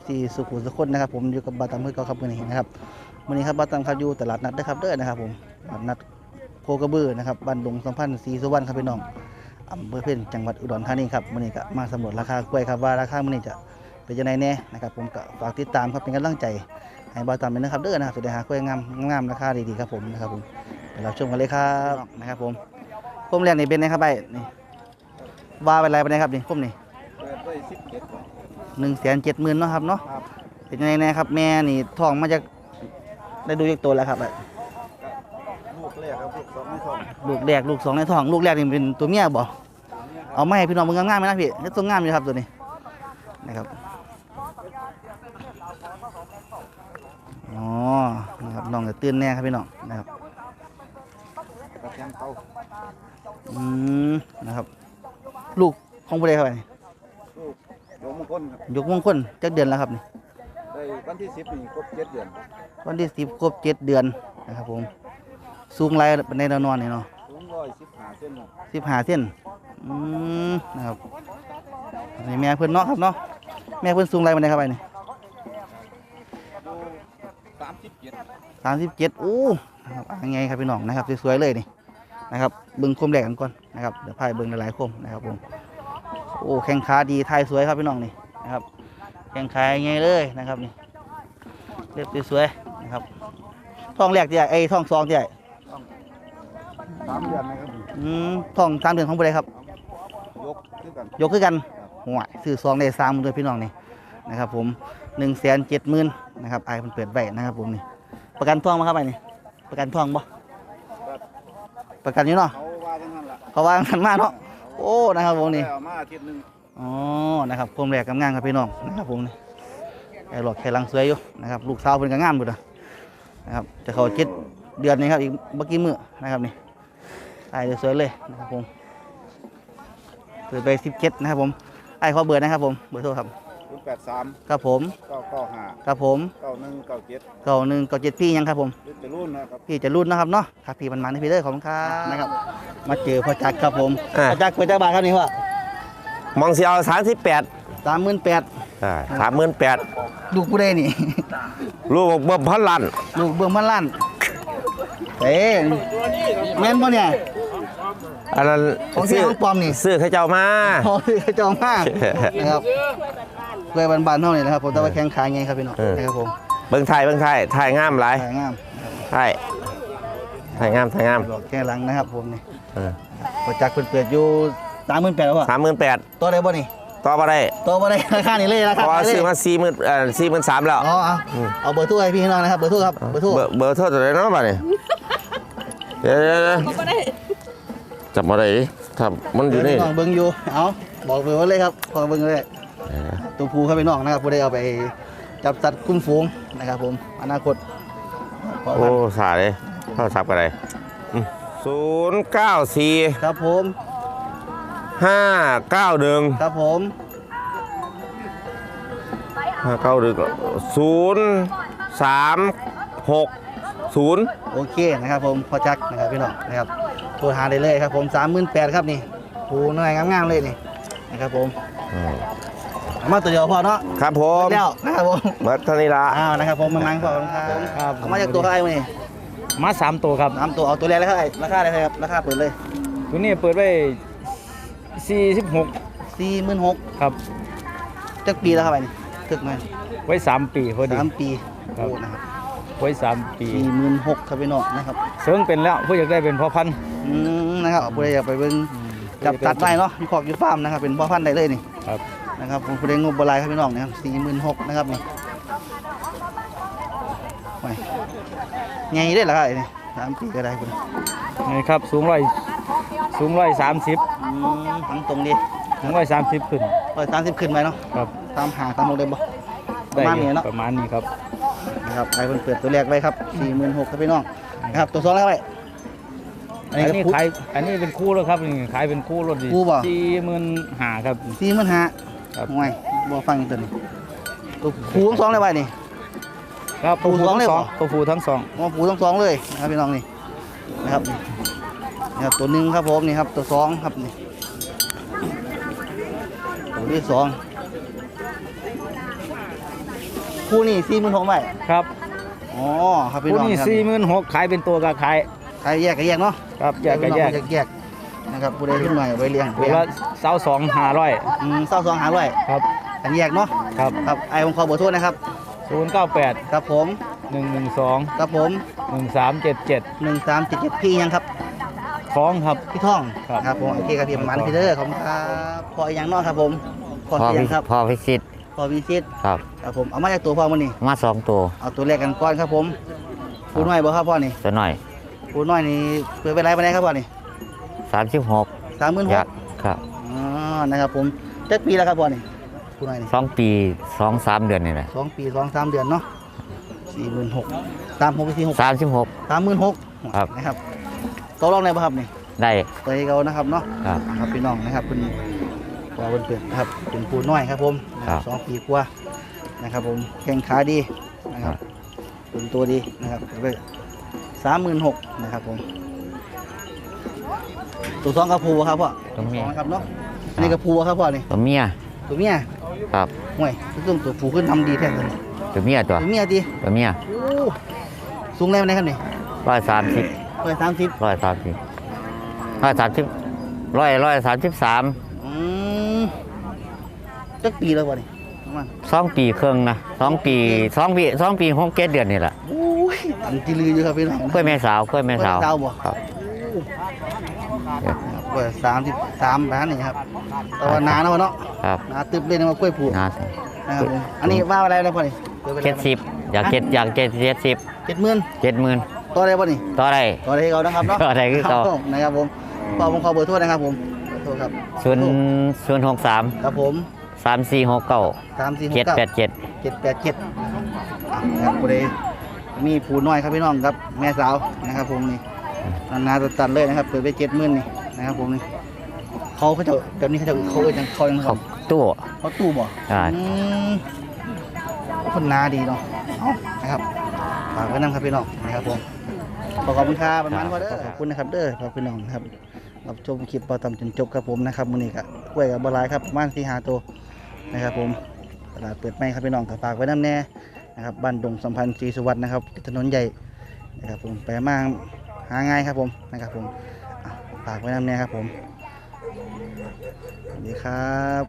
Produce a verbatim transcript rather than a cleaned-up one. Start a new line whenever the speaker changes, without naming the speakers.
ซีสุขุมสุขคนนะครับผมอยู่กับบาตัมเพื่อเก่าครับวันนี้นะครับวันนี้ครับบาตัมครับอยู่ตลาดนัดด้วยครับเด้อนะครับผมตลาดนัดโคกระบือนะครับบ้านดงสัมพันธ์ศรีสุวรรณครับพี่น้องอำเภอเพ็ญจังหวัดอุดรธานีครับวันนี้ก็มาสำรวจราคากล้วยครับว่าราคาวันนี้จะเป็นยังไงแน่นะครับผมก็ฝากติดตามครับเป็นกำลังใจให้บาตัมเป็นนะครับเด้อนะครับจะได้หากล้วยงามงามราคาดีๆครับผมนะครับผมเดี๋ยวเราชมกันเลยครับนะครับผมคมแรกนี่เป็นนะครับไปนี่ว่าเป็นไรไปไหนครับนี่คมนี่หนึ่งแสนเจ็ดหมื่นเนาะครับเนาะเป็นยังไงนะครับแม่นี่ท้องมาจากได้ดูจากตัวแล้วครับ
ลูกแรกครับลูกสองในท้อง
ลูกแรกลูกสองในท้องลูกแรกนี่เป็นตัวเมียบ่เอาไม่ให้พี่น้องมึงงามๆไหมนะพี่นี่ตัวงามอยู่ครับตัวนี้นะครับอ๋อนะครับน้องจะตื่นแน่ครับพี่น้องนะครับอืมนะครับลูกของผู้ใดครับนี่
ยกมงคลครับ
ยกมงคลจักเดือนแล้วครับนี่
ได้วันที่สิบนี่ครบเจ็ดเดือน
วันที่สิบครบเจ็ดเดือนนะครับผมสูงไรในแนวนอนนี่เนาะ
สูงร้อยสิบห้าเส้น
สิบห้าเส้นอืมนะครับนี่แม่เพื่อนเนาะครับเนาะแม่เพื่อนสูงไรมันได้ครับไปนี่
สามสิบเจ็ด
สามสิบเจ็ดโอ้นะครับยังไงครับพี่น้องนะครับสวยๆเลยนี่นะครับเบิ้งคมแรกกันก่อนนะครับเดี๋ยวพายเบิ้งหลายๆคมนะครับผมโอ้แข้งขาดีไทยสวยครับพี่น้องนี่นะครับแข้งขายังไงเลยนะครับนี่เรียบสวยๆนะครับท้องแรกที่ไอ้ท้องสองที่ไอ้
สามเดือนนะครับ
อืมท้องสามเดือนของผู้ใดครับ
ยกขึ้นกัน
ยกขึ้นกันหัวซื้อซองได้สามเลยพี่น้องนี่นะครับผมหนึ่งแสนเจ็ดหมื่นนะครับไอ้มันเปิดไว้นะครับผมนี่ประกันท้องมาครับไอ้นี่ประกันท้องบ่ประกันอยู่เนาะ
เขาว่าจังนั้นล่ะ
เขาว่ากันมากเนาะโอ้นะครับผมนี่
มาอาทิตย์นึง
อ๋อนะครับคมแรกกำงามครับพี่น้องนะครับผมนี่ไอ้หลอดไข่ลังสวยอยู่นะครับลูกสาวเป็นกำงามอยู่นะครับจะเขาเจ็ดเดือนนี้ครับอีกเมื่อกี้มือนะครับนี่ไอ้สวยเลยนะครับผมเปิดไปสิบเจ็ดนะครับผมไอ้ขอเบอร์นะครับผมเบอร์โทรครับ
ศูนย์แปดสาม
ครับผม
เก้าเก้าห้า
ครับผม
เก้าหนึ่งเก้าเจ็ด
เก้าหนึ่งเก้าเจ็ดพี่ยังครับผม
จะรุ่นนะครับ
พี่จะรุ่นนะครับเนาะครับพี่มันมันให้พี่เลยขอบคุณครับนะครับมาเจอพ่อจักรครับผมพ่อจักรเปิดจักรบาทครับนี่ว่
มองเสียวสามสิบแปด
สามหมื่นแปด
อ่าสามหมื่นแปด
ลูกผู้ใดนี่
ลูกเบิ่มพันล้าน
ลูกเบิ่มพันล้านเอ๊ะแม่นป่ะเนี่ย
อันนั้น
ของเสียของปลอมนี่
ซื้อให้เจ้ามา
โอ้ยเจ้ามากนะครับเพื่อนบ้านๆเท่านี้นะครับผมแต่ว่าแข้งขาไงครับพี่น้องนะครับผม
เบิ่งไทยเบิ่งไทยไทยงามหลาย
ไทยงาม
ไทยไทยงามไทยงาม
แข้งหลังนะครับผมนี่พอจักเปิดอยู่สามหมื่นแปดแล้วป่ะ
สามหมื่นแปด
ตัวได้ป่ะนี่
ต่อมาได้
ตัวมาได้ราคานี่เลยราคา
เพราะซื้อมาสี่หมื่นเอ่อสี่หมื่นสามแล้ว
อ๋อเอาเบอร์โทรให้พี่น้องนะครับเบอร์โทรครับเบอร์โทร
เบอร์โทรตัวไหนเนาะบ้านี่เดี๋ยวจับมาได้ถ้ามันอยู่นี่
เบิ้งอยู่เอาบอกเบอร์เลยครับขอเบิ้งเลยตัวภูเข้าไปน้องนะครับผู้ได้เอาไปจับสัตว์คุ้มฝูงนะครับผมอนาคต
โอ้สาเลยเข้าซับกันเลยศูนย์เก้าสี่
ครับผม
ห้าเก้าหนึ่ง
ครับผม
ห้าเก้าหนึ่งศูนย์สามหกศูนย์
โอเคนะครับผมพอจักนะครับพี่น้องนะครับโทรหาได้เลยครับผมสามหมื่นแปดครับนี่ผูหน่อยงามๆเลยนี่นะครับผมมาตัวเดียวพอเนาะ
ครับผม
เดียวนะครับผม
มาท่านี้ละ
อ้าวนะครับผมมานั่งก่อนครับมาจากตัวใครมานี่
มาสามตัวครับ
สามตัวเอาตัวแรกเลยครับราคาอะไรครับราคาเปิดเลย
ตัวนี้เปิดไว้สี่สิบหก
สี่หมื่นหก
ครับ
จักปีแล้วครับไปนี่ถึกไหม
ไว้สามปีพอดี
สามปี
โอ้นะครับไว้สามปี
สี่หมื่นหกครับพี่น้องนะครับ
เสริงเป็นแล้วผู้อยากได้เป็นพ่อพันธุ์
อืมนะครับผู้ใดอยากไปเบิ่งจับตัดได้เนาะมีขอกอยู่ฟาร์มนะครับเป็นพ่อพันธุ์ได้เลยนี่
ครับ
นะครับผมผู้ใดงบบลายครับพี่น้องนะครับสี่หมื่นหกนะครับนี่ไปไงได้หรอครับนี่สามปีก็ได้คุณ
นี่ครับสูงร้อยสูงร้อยสามสิบ
ทั้งตรงดี
สูงร้อยสามสิบขึ้น
ร้อยสามสิบขึ้นไปเนาะ
ครับ
ตามหาตามโมเดลบ่ประมาณนี้เนาะ
ประมาณนี้ครับ
นะครับไอ้เพิ่นเปิดตัวแรกไว้ครับสี่หมื่นหกครับพี่น้องนะครับตัวสองแล้วไว้
อันนี้ขายอันนี้เป็นคู่แล้วครับขายเป็นคู่รถดีสี่หมื่นห้าครับ
สี่หมื่นห้าครับห่วยบ่ฟังตัวนี้ตัวผูทั้งสองเลยไว้นี่
ครับผูทั้งสองตัวผูทั้งสอง
อ๋อผูทั้งสองเลยนะครับพี่น้องนี่นะครับนะครับตัวหนึ่งครับผมนี่ครับตัวสองครับนี่ตัวที่สองคู่นี่สี่หมื่นหกใบ
ครับ
อ๋อครับพี่
คู่
น้อง
นี้
ครับ
สี่หมื่นหกขายเป็นตัวก็ขาย
ขายแยกก็แยกเนาะ
ครับแยกก็แยก
แยกๆนะครับผู้ใดขึ้นใหม่ไว้เลี้ยง
ตัวละเสาสองห้าร้อย
อืมเศร้าสองหาร้อย
ครับ
อันแยกเนาะ
ครับ
ครับไอ้ผมขอเบอร์โทษนะครับ
ศูนย์เก้าแปด
ครับผม
หนึ่งหนึ่งสอง
ครับผม
หนึ่งสามเจ็ดเจ็ด
หนึ่งสามเจ็ดเจ็ดพี่ยังครับ
ฟ้องครับ
พี่ท่อง
ครับ
ครับผมโอเคครับพี่ประมันพี่เด้อขอบคุณครับพออีกอย่างเนอกครับผมพอ
พ่อ
เสีย
พิ
งครับ
พ่อพิชิต
พอวิชิต
ครับ
ครับผมเอามาจากตัวพ่อมันนี่
มาสองตัว
เอาตัวแรกกันก่อนครับผมผู้น้อยบ่ครับพ่อนี่
ตัวหน่อย
ผู้น้อยนี่เปิดไปไรไปไหนครับพ่อนี่
สามสิบหก
สามหมื่นห
อยาก กครับ
อ๋อนะครับผมเจ็ดปีแล้วครับพ่อนี่ผู้น้อยนี่
สองปีสองสามเดือนนี่แหละ
สองปีสองสามเดือนเนาะสี่หมื่นหกสามหกไปสี่หก
สามสิบหก
สามหมื่นหก
ครับ
นะครับตัวรองไหนบ่ครับนี่
ได้
ตัวให้เขานะครับเนาะ
ครับ
ครับพี่น้องนะครับเป็นตัวเป็นเปลือกนะครับเป็นผู้น้อยครับผม
ครับ
สองปีกว่านะครับผมแข้งขาดีนะครับเป็นตัวดีนะครับไปสามหมื่นหกนะครับผมตัวสองกระพูครับพ่อ
ตัวเมีย
สองนะครับเนาะอันนี้กระพูครับพ่อนี่
ตัวเมีย
ตัวเมีย
ครับ
ห่วยตัวตัวผู้ขึ้นทำดีแท้เลย
ตัวเมียตัว
ตัวเมียดี
ตัวเมีย
โอ้สูงแรงไหนครับนี่
ร้อยสามสิบ
ร้อยสามสิบ
ร้อยสามสิบร้อยสามสิบร้อยร้อยสามสิบสาม
อืมจักปีแล้วพ่อนี่ประมาณ
สองปีครึ่งนะสองปีสองปีสองปีหกเจ็ดเดือนนี่แหละ
โอ้ยอันที่ลืออยู่ครับพี่น้อง
กล้วยแม่สาวกล้วยแม่สาว
กล้วยแม่สาวบ่
ครับ
กล้วยสามสิบสามร้านนี่ครับแต่ว่าหนาเนาะเนาะ
ครับ
หนาตึบเลยนะว่ากล้วยผู
น่า
นะครับผมอันนี้ว่าอะไรนะพ่อนี่
เจ็ดสิบอยากเจ็ดอยากเจ็ดเจ็ดสิบ
เจ็ดหมื่น
เจ็ดหมื่น
ต่อได้ป่ะนี่
ต่อได้
ต่อได้ให้เขานะครับเนาะ
ต่อได้คือเขา
รับผมนะครับผมขอผมขอเบอร์โทษนะครับผมเบอร์โทษครับ
ศูนย์ศูนย์หกสาม
ครับผม
สามสี่หกเก้า
สามสี่หก
เจ็ด
เก้า
แปดเจ็ด
เจ็ดแปดเจ็ดนะครับผู้ใดมีผู้น้อยครับพี่น้องครับแม่สาวนะครับผมนี่นานาตัดเลยนะครับเปิดไปเจ็ดหมื่นนี่นะครับผมนี่เขาเขาจะเดี๋ยวนี้เขาจะเขาเอ่ยจังเขายัง
เขาตู้
เขาตู้บ่
อ่า
อืมคนนาดีเนาะเอานะครับฝากไว้นำครับพี่น้องนะครับผมขอขอบคุณครับประมาณว่าเด้อขอบคุณนะครับเด้อขอบคุณน้องนะครับรับชมคลิปเราทำจนจบครับผมนะครับมื้อนี้ก็กล้วยกับบะลายครับประมาณสี่ห้าตัวนะครับผมตลาดเปิดใหม่ครับพี่น้องก็ฝากไว้น้ำแน่นะครับบ้านดงสัมพันธ์ศรีสุวรรณนะครับถนนใหญ่นะครับผมไปมาหาง่ายครับผมนะครับผมอ่ะฝากไว้น้ำแน่ครับผมสวัสดีครับ